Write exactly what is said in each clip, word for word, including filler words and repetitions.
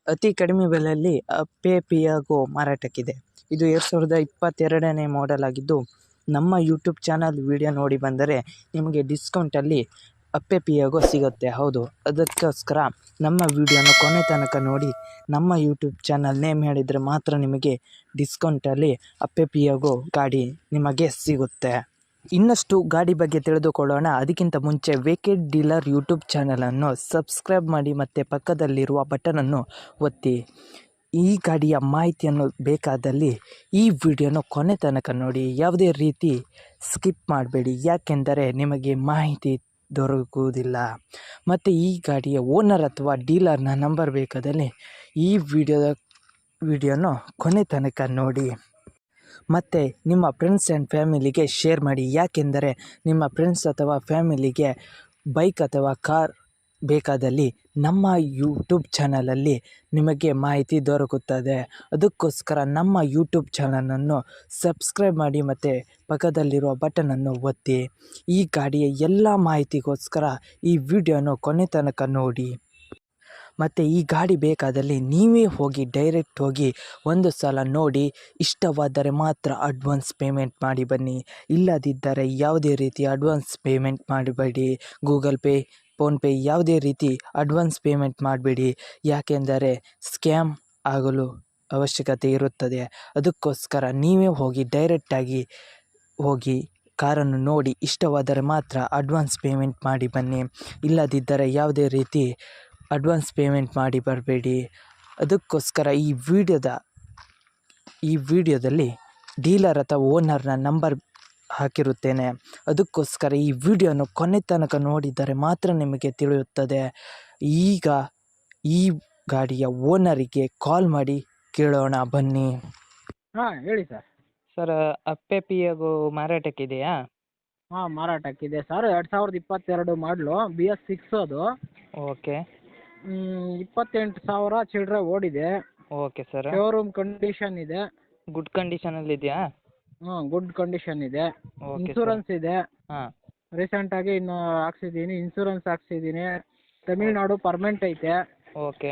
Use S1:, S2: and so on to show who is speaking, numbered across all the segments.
S1: ಅತಿ ಕಡಿಮೆ ಬೆಲೆಯಲ್ಲಿ ಅಪ್ಪೆ ಪಿಯಾಗೋ ಮಾರಾಟಕ್ಕಿದೆ. ಇದು ಎರಡು ಸಾವಿರದ ಇಪ್ಪತ್ತೆರಡನೇ ಮಾಡೆಲ್ ಆಗಿದ್ದು, ನಮ್ಮ ಯೂಟ್ಯೂಬ್ ಚಾನಲ್ ವಿಡಿಯೋ ನೋಡಿ ಬಂದರೆ ನಿಮಗೆ ಡಿಸ್ಕೌಂಟಲ್ಲಿ ಅಪ್ಪೆ ಪಿಯಾಗೋ ಸಿಗುತ್ತೆ. ಹೌದು, ಅದಕ್ಕೋಸ್ಕರ ನಮ್ಮ ವಿಡಿಯೋನ ಕೊನೆ ತನಕ ನೋಡಿ. ನಮ್ಮ ಯೂಟ್ಯೂಬ್ ಚಾನಲ್ ನೇಮ್ ಹೇಳಿದರೆ ಮಾತ್ರ ನಿಮಗೆ ಡಿಸ್ಕೌಂಟಲ್ಲಿ ಅಪ್ಪೆ ಪಿಯಾಗೋ ಗಾಡಿ ನಿಮಗೆ ಸಿಗುತ್ತೆ. ಇನ್ನಷ್ಟು ಗಾಡಿ ಬಗ್ಗೆ ತಿಳಿದುಕೊಳ್ಳೋಣ. ಅದಕ್ಕಿಂತ ಮುಂಚೆ ವೇಕೆಡ್ ಡೀಲರ್ ಯೂಟ್ಯೂಬ್ ಚಾನಲನ್ನು ಸಬ್ಸ್ಕ್ರೈಬ್ ಮಾಡಿ ಮತ್ತು ಪಕ್ಕದಲ್ಲಿರುವ ಬಟನನ್ನು ಒತ್ತಿ. ಈ ಗಾಡಿಯ ಮಾಹಿತಿಯನ್ನು ಬೇಕಾದಲ್ಲಿ ಈ ವಿಡಿಯೋನ ಕೊನೆ ತನಕ ನೋಡಿ. ಯಾವುದೇ ರೀತಿ ಸ್ಕಿಪ್ ಮಾಡಬೇಡಿ, ಯಾಕೆಂದರೆ ನಿಮಗೆ ಮಾಹಿತಿ ದೊರಕುವುದಿಲ್ಲ. ಮತ್ತು ಈ ಗಾಡಿಯ ಓನರ್ ಅಥವಾ ಡೀಲರ್ನ ನಂಬರ್ ಬೇಕಾದಲ್ಲಿ ಈ ವಿಡಿಯೋದ ವಿಡಿಯೋನ ಕೊನೆ ತನಕ ನೋಡಿ. ಮತ್ತು ನಿಮ್ಮ ಫ್ರೆಂಡ್ಸ್ ಆ್ಯಂಡ್ ಫ್ಯಾಮಿಲಿಗೆ ಶೇರ್ ಮಾಡಿ, ಯಾಕೆಂದರೆ ನಿಮ್ಮ ಫ್ರೆಂಡ್ಸ್ ಅಥವಾ ಫ್ಯಾಮಿಲಿಗೆ ಬೈಕ್ ಅಥವಾ ಕಾರ್ ಬೇಕಾದಲ್ಲಿ ನಮ್ಮ ಯೂಟ್ಯೂಬ್ ಚಾನಲಲ್ಲಿ ನಿಮಗೆ ಮಾಹಿತಿ ದೊರಕುತ್ತದೆ. ಅದಕ್ಕೋಸ್ಕರ ನಮ್ಮ ಯೂಟ್ಯೂಬ್ ಚಾನಲನ್ನು ಸಬ್ಸ್ಕ್ರೈಬ್ ಮಾಡಿ ಮತ್ತು ಪಕ್ಕದಲ್ಲಿರುವ ಬಟನನ್ನು ಒತ್ತಿ. ಈ ಗಾಡಿಯ ಎಲ್ಲ ಮಾಹಿತಿಗೋಸ್ಕರ ಈ ವಿಡಿಯೋನ ಕೊನೆ ತನಕ ನೋಡಿ. ಮತ್ತು ಈ ಗಾಡಿ ಬೇಕಾದಲ್ಲಿ ನೀವೇ ಹೋಗಿ ಡೈರೆಕ್ಟ್ ಹೋಗಿ ಒಂದು ಸಲ ನೋಡಿ. ಇಷ್ಟವಾದರೆ ಮಾತ್ರ ಅಡ್ವಾನ್ಸ್ ಪೇಮೆಂಟ್ ಮಾಡಿ ಬನ್ನಿ, ಇಲ್ಲದಿದ್ದರೆ ಯಾವುದೇ ರೀತಿ ಅಡ್ವಾನ್ಸ್ ಪೇಮೆಂಟ್ ಮಾಡಬೇಡಿ. ಗೂಗಲ್ ಪೇ, ಫೋನ್ಪೇ ಯಾವುದೇ ರೀತಿ ಅಡ್ವಾನ್ಸ್ ಪೇಮೆಂಟ್ ಮಾಡಬೇಡಿ, ಯಾಕೆಂದರೆ ಸ್ಕ್ಯಾಮ್ ಆಗಲು ಅವಶ್ಯಕತೆ ಇರುತ್ತದೆ. ಅದಕ್ಕೋಸ್ಕರ ನೀವೇ ಹೋಗಿ ಡೈರೆಕ್ಟಾಗಿ ಹೋಗಿ ಕಾರನ್ನು ನೋಡಿ. ಇಷ್ಟವಾದರೆ ಮಾತ್ರ ಅಡ್ವಾನ್ಸ್ ಪೇಮೆಂಟ್ ಮಾಡಿ ಬನ್ನಿ, ಇಲ್ಲದಿದ್ದರೆ ಯಾವುದೇ ರೀತಿ ಅಡ್ವಾನ್ಸ್ ಪೇಮೆಂಟ್ ಮಾಡಿ ಬರಬೇಡಿ. ಅದಕ್ಕೋಸ್ಕರ ಈ ವಿಡಿಯೋದ ಈ ವಿಡಿಯೋದಲ್ಲಿ ಡೀಲರ್ ಅಥವಾ ಓನರ್ನ ನಂಬರ್ ಹಾಕಿರುತ್ತೇನೆ. ಅದಕ್ಕೋಸ್ಕರ ಈ ವಿಡಿಯೋನ ಕೊನೆ ತನಕ ನೋಡಿದರೆ ಮಾತ್ರ ನಿಮಗೆ ತಿಳಿಯುತ್ತದೆ. ಈಗ ಈ ಗಾಡಿಯ ಓನರಿಗೆ ಕಾಲ್ ಮಾಡಿ ಕೇಳೋಣ ಬನ್ನಿ.
S2: ಹಾಂ ಹೇಳಿ ಸರ್.
S1: ಸರ್, ಅಪ್ಪೆ ಪಿಯಾಗೋ ಮಾರಾಟಕ್ಕಿದೆಯಾ?
S2: ಹಾಂ ಮಾರಾಟಕ್ಕಿದೆ ಸರ್. ಎರಡು ಸಾವಿರದ ಇಪ್ಪತ್ತೆರಡು ಮಾಡಲು ಬಿ ಎಸ್ ಸಿಕ್ಸ್ ಅದು.
S1: ಓಕೆ
S2: ಇಪ್ಪತ್ತೆಂಟು ಸಾವಿರ ಚಿಲ್ಲರೆ ಓಡಿದೆ.
S1: Okay sir.
S2: ಶೋರೂಮ್ ಕಂಡೀಷನ್ ಇದೆ.
S1: ಗುಡ್ ಕಂಡೀಷನಲ್ಲಿ ಇದೆಯಾ?
S2: ಹಾಂ ಗುಡ್ ಕಂಡೀಷನ್ ಇದೆ.
S1: ಓಕೆ
S2: ಇನ್ಸೂರೆನ್ಸ್ ಇದೆ.
S1: ಹಾಂ
S2: ರೀಸೆಂಟಾಗಿ ಇನ್ನು ಹಾಕ್ಸಿದ್ದೀನಿ, ಇನ್ಸೂರೆನ್ಸ್ ಹಾಕ್ಸಿದ್ದೀನಿ. ತಮಿಳ್ನಾಡು ಪರ್ಮೆಂಟ್ ಐತೆ.
S1: ಓಕೆ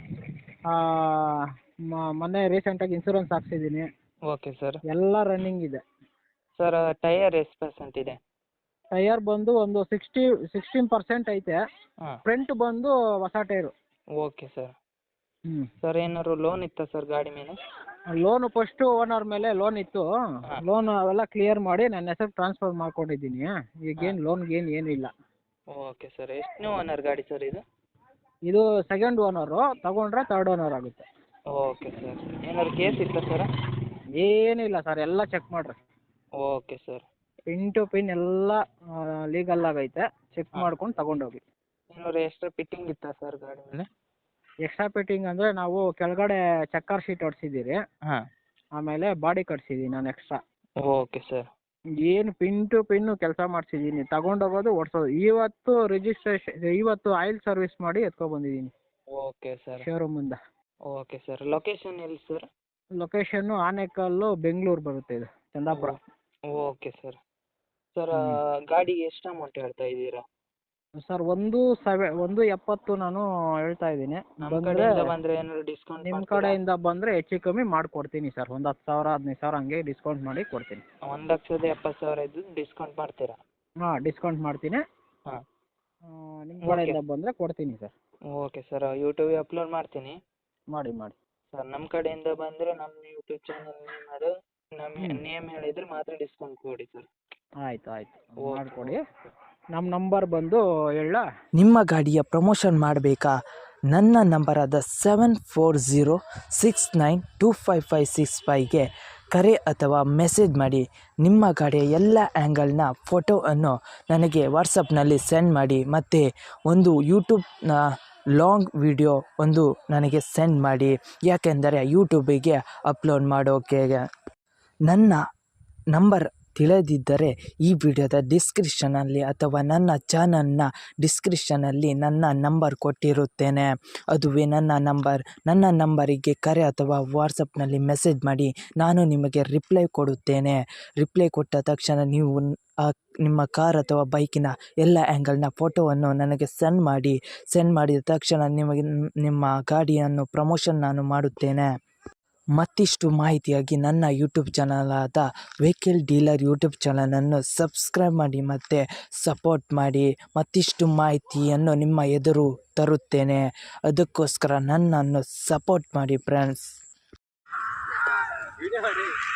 S2: ಮೊನ್ನೆ ರೀಸೆಂಟಾಗಿ ಇನ್ಸೂರೆನ್ಸ್ ಹಾಕ್ಸಿದ್ದೀನಿ.
S1: Okay sir.
S2: ಎಲ್ಲ ರನ್ನಿಂಗ್ ಇದೆ.
S1: ಸರ್, ಟೈಯರ್ ಎಷ್ಟು ಪರ್ಸೆಂಟ್ ಇದೆ?
S2: ಟೈಯರ್ ಬಂದು ಒಂದು ಸಿಕ್ಸ್ಟಿ ಸಿಕ್ಸ್ಟೀನ್ ಪರ್ಸೆಂಟ್ ಐತೆ.
S1: ಹಾಂ
S2: ಫ್ರಂಟ್ ಬಂದು ಹೊಸ ಟೈರು.
S1: Okay sir.
S2: ಹ್ಞೂ
S1: ಸರ್, ಏನಾದ್ರು ಲೋನ್ ಇತ್ತಾ ಸರ್ ಗಾಡಿ ಮೇಲೆ?
S2: ಲೋನು ಫಸ್ಟು ಓನರ್ ಮೇಲೆ ಲೋನ್ ಇತ್ತು. ಲೋನ್ ಅವೆಲ್ಲ ಕ್ಲಿಯರ್ ಮಾಡಿ ನನ್ನ ಹೆಸರು ಟ್ರಾನ್ಸ್ಫರ್ ಮಾಡ್ಕೊಂಡಿದ್ದೀನಿ. ಈಗೇನು ಲೋನ್ಗೇನು ಏನೂ ಇಲ್ಲ.
S1: Okay sir. ಎಷ್ಟನೇ ಓನರ್ ಗಾಡಿ ಸರ್ ಇದು?
S2: ಇದು ಸೆಕೆಂಡ್ ಓನರು, ತಗೊಂಡ್ರೆ ತರ್ಡ್ ಓನರ್ ಆಗುತ್ತೆ.
S1: Okay sir. ಏನಾದ್ರು ಕೇಸ್ ಇತ್ತಾ ಸರ್?
S2: ಏನಿಲ್ಲ ಸರ್, ಎಲ್ಲ ಚೆಕ್ ಮಾಡಿರಿ.
S1: Okay sir.
S2: Pin to pin ಎಲ್ಲ ಲೀಗಲ್ ಆಗೈತೆ. ಚೆಕ್ ಮಾಡ್ಕೊಂಡು ತಗೊಂಡೋಗಿ.
S1: ಏನಾದ್ರು ಎಕ್ಸ್ಟ್ರಾ ಫಿಟ್ಟಿಂಗ್ ಇತ್ತಾ ಸರ್ ಗಾಡಿ ಮೇಲೆ?
S2: ಎಕ್ಸ್ಟ್ರಾ ಫಿಟ್ಟಿಂಗ್ ಅಂದರೆ ನಾವು ಕೆಳಗಡೆ ಚಕ್ಕರ್ ಶೀಟ್ ಹೊಡ್ಸಿದ್ದೀರಿ,
S1: ಹಾಂ
S2: ಆಮೇಲೆ ಬಾಡಿ ಕಟ್ಸಿದ್ದೀನಿ ನಾನು ಎಕ್ಸ್ಟ್ರಾ.
S1: Okay sir.
S2: ಏನು ಪಿನ್ ಟು ಪಿನ್ನು ಕೆಲಸ ಮಾಡಿಸಿದ್ದೀನಿ. ತಗೊಂಡೋಗೋದು ಓಡಿಸೋದು. ಇವತ್ತು ರಿಜಿಸ್ಟ್ರೇಷನ್, ಇವತ್ತು ಆಯಿಲ್ ಸರ್ವಿಸ್ ಮಾಡಿ ಎತ್ಕೊಬಂದಿದ್ದೀನಿ
S1: ಓಕೆ ಸರ್.
S2: ಶೋರೂಮಿಂದ.
S1: Okay sir. ಲೊಕೇಶನ್ ಎಲ್ಲಿ ಸರ್?
S2: ಲೊಕೇಶನ್ನು ಆನೇಕಲ್ಲು, ಬೆಂಗಳೂರು ಬರುತ್ತೆ. ಇದು ಚಂದಾಪುರ.
S1: Okay sir. ಸರ್, ಗಾಡಿಗೆ ಎಷ್ಟು ಅಮೌಂಟ್ ಹೇಳ್ತಾ ಇದ್ದೀರಾ?
S2: ಸರ್ ಒಂದು ಸೆವೆ ಒಂದು ಎಪ್ಪತ್ತು ನಾನು ಹೇಳ್ತಾ ಇದ್ದೀನಿ.
S1: ನಮ್ಮ
S2: ಬಂದರೆ
S1: ಕಡೆಯಿಂದ ಬಂದರೆ ಏನಾದ್ರು ಡಿಸ್ಕೌಂಟ್
S2: ನಿಮ್ಮ ಕಡೆಯಿಂದ ಬಂದರೆ ಹೆಚ್ಚು ಕಮ್ಮಿ ಮಾಡಿಕೊಡ್ತೀನಿ ಸರ್. ಒಂದು ಹತ್ತು ಸಾವಿರ ಹದಿನೈದು ಸಾವಿರ ಹಂಗೆ ಡಿಸ್ಕೌಂಟ್ ಮಾಡಿ ಕೊಡ್ತೀನಿ.
S1: ಒಂದು ಲಕ್ಷದ ಎಪ್ಪತ್ತು ಸಾವಿರ ಇದ್ದು ಡಿಸ್ಕೌಂಟ್ ಮಾಡ್ತೀರಾ?
S2: ಹಾಂ ಡಿಸ್ಕೌಂಟ್ ಮಾಡ್ತೀನಿ.
S1: ಹಾಂ
S2: ನಿಮ್ಮ ಕಡೆಯಿಂದ ಬಂದರೆ ಕೊಡ್ತೀನಿ ಸರ್.
S1: Okay sir. ಯೂಟ್ಯೂಬಿಗೆ ಅಪ್ಲೋಡ್ ಮಾಡ್ತೀನಿ.
S2: ಮಾಡಿ ಮಾಡಿ
S1: ಸರ್, ನಮ್ಮ ಕಡೆಯಿಂದ ಬಂದರೆ ನಮ್ಮ ಯೂಟ್ಯೂಬ್ ಚಾನಲ್ ನೇಮ್ ಅದು ನಮ್ಮ ನೇಮ್ ಹೇಳಿದರೆ ಮಾತ್ರ ಡಿಸ್ಕೌಂಟ್ ಕೊಡಿ ಸರ್.
S2: ಆಯಿತು ಆಯಿತು ಮಾಡಿಕೊಡಿ. ನಮ್ಮ ನಂಬರ್ ಬಂದು ಹೇಳ.
S1: ನಿಮ್ಮ ಗಾಡಿಯ ಪ್ರಮೋಷನ್ ಮಾಡಬೇಕಾ? ನನ್ನ ನಂಬರಾದ seven four zero six nine two five five six ಫೈವ್ಗೆ ಕರೆ ಅಥವಾ ಮೆಸೇಜ್ ಮಾಡಿ. ನಿಮ್ಮ ಗಾಡಿಯ ಎಲ್ಲ ಆ್ಯಂಗಲ್ನ ಫೋಟೋವನ್ನು ನನಗೆ ವಾಟ್ಸಪ್ನಲ್ಲಿ ಸೆಂಡ್ ಮಾಡಿ. ಮತ್ತು ಒಂದು ಯೂಟ್ಯೂಬ್ನ ಲಾಂಗ್ ವಿಡಿಯೋ ಒಂದು ನನಗೆ ಸೆಂಡ್ ಮಾಡಿ, ಯಾಕೆಂದರೆ ಯೂಟ್ಯೂಬಿಗೆ ಅಪ್ಲೋಡ್ ಮಾಡೋಕೆ. ನನ್ನ ನಂಬರ್ ತಿಳಿದಿದ್ದರೆ ಈ ವಿಡಿಯೋದ ಡಿಸ್ಕ್ರಿಪ್ಷನಲ್ಲಿ ಅಥವಾ ನನ್ನ ಚಾನಲ್ನ ಡಿಸ್ಕ್ರಿಪ್ಷನಲ್ಲಿ ನನ್ನ ನಂಬರ್ ಕೊಟ್ಟಿರುತ್ತೇನೆ. ಅದುವೇ ನನ್ನ ನಂಬರ್. ನನ್ನ ನಂಬರಿಗೆ ಕರೆ ಅಥವಾ ವಾಟ್ಸಪ್ನಲ್ಲಿ ಮೆಸೇಜ್ ಮಾಡಿ, ನಾನು ನಿಮಗೆ ರಿಪ್ಲೈ ಕೊಡುತ್ತೇನೆ. ರಿಪ್ಲೈ ಕೊಟ್ಟ ತಕ್ಷಣ ನೀವು ಆ ನಿಮ್ಮ ಕಾರ್ ಅಥವಾ ಬೈಕಿನ ಎಲ್ಲ ಆ್ಯಂಗಲ್ನ ಫೋಟೋವನ್ನು ನನಗೆ ಸೆಂಡ್ ಮಾಡಿ. ಸೆಂಡ್ ಮಾಡಿದ ತಕ್ಷಣ ನಿಮಗೆ ನಿಮ್ಮ ಗಾಡಿಯನ್ನು ಪ್ರಮೋಷನ್ ನಾನು ಮಾಡುತ್ತೇನೆ. ಮತ್ತಿಷ್ಟು ಮಾಹಿತಿಯಾಗಿ ನನ್ನ ಯೂಟ್ಯೂಬ್ ಚಾನಲಾದ ವೆಹಿಕಲ್ ಡೀಲರ್ ಯೂಟ್ಯೂಬ್ ಚಾನಲನ್ನು ಸಬ್ಸ್ಕ್ರೈಬ್ ಮಾಡಿ ಮತ್ತು ಸಪೋರ್ಟ್ ಮಾಡಿ. ಮತ್ತಿಷ್ಟು ಮಾಹಿತಿಯನ್ನು ನಿಮ್ಮ ಎದುರು ತರುತ್ತೇನೆ. ಅದಕ್ಕೋಸ್ಕರ ನನ್ನನ್ನು ಸಪೋರ್ಟ್ ಮಾಡಿ ಫ್ರೆಂಡ್ಸ್.